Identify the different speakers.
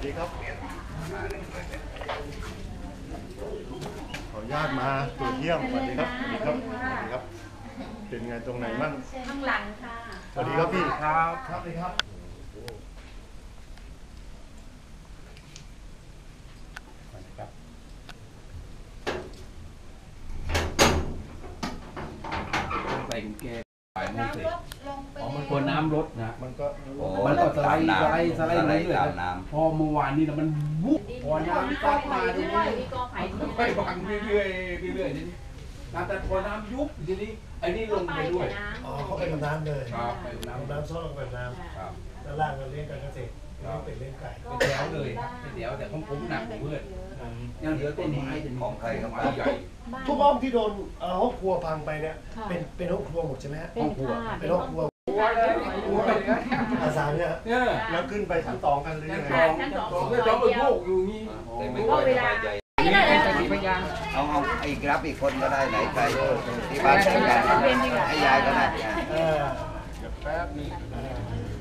Speaker 1: ดีครับขออนุญาตมาตรวจเยี่ยมสวัสดีครับสวัสดีครับสวัสดีครับเป็นไงตรงไหนมั่ง
Speaker 2: ข้างหลังค่ะ
Speaker 1: สวัสดีครับพี่ครับครับเลยครับ
Speaker 3: ใส่กุญแจไปไม่เสร็จมันกลัวน้ำลดนะ
Speaker 1: มันก็
Speaker 3: สไลด์เรื่อยๆพอเมื่อวานนี้มันวุบพอน้ำซัดมาทีนี้ไปวางเรื่อยๆทีนี้แต่พอน้ำยุบทีนี้ไอ้นี่ลงไปด้วย
Speaker 1: เขาไปกับน้ำเลย
Speaker 3: ครับไป
Speaker 1: น้ำซดลงไปน้ำด้านล่างเราเลี้ยงการเกษตรเป็นเลี้ยงไก่
Speaker 3: เป็นแถวเลยเป็นแถวแต่ของผมหนักเพื่อนยังเหลือต้นไม้
Speaker 4: ของใครครับ
Speaker 3: ใหญ่
Speaker 1: ทุกห้องที่โดนห้องครัวพังไปเนี่ยเป็นห้องครัวหมดใช่ไหมฮะ
Speaker 2: ห้องครัว
Speaker 1: เป็นห้องครัวอาสาเนี่ยแล้วขึ้นไปชั้น2กันหรือยังไง
Speaker 3: ชั้น2เป็นพวกอยู่นี่
Speaker 4: แต่ไม่ค่อยสบายใจเอาอีกรับอีกคนก็ได้ไหนใครที่บ้านให้ยายก็ได้
Speaker 1: แป๊บนึง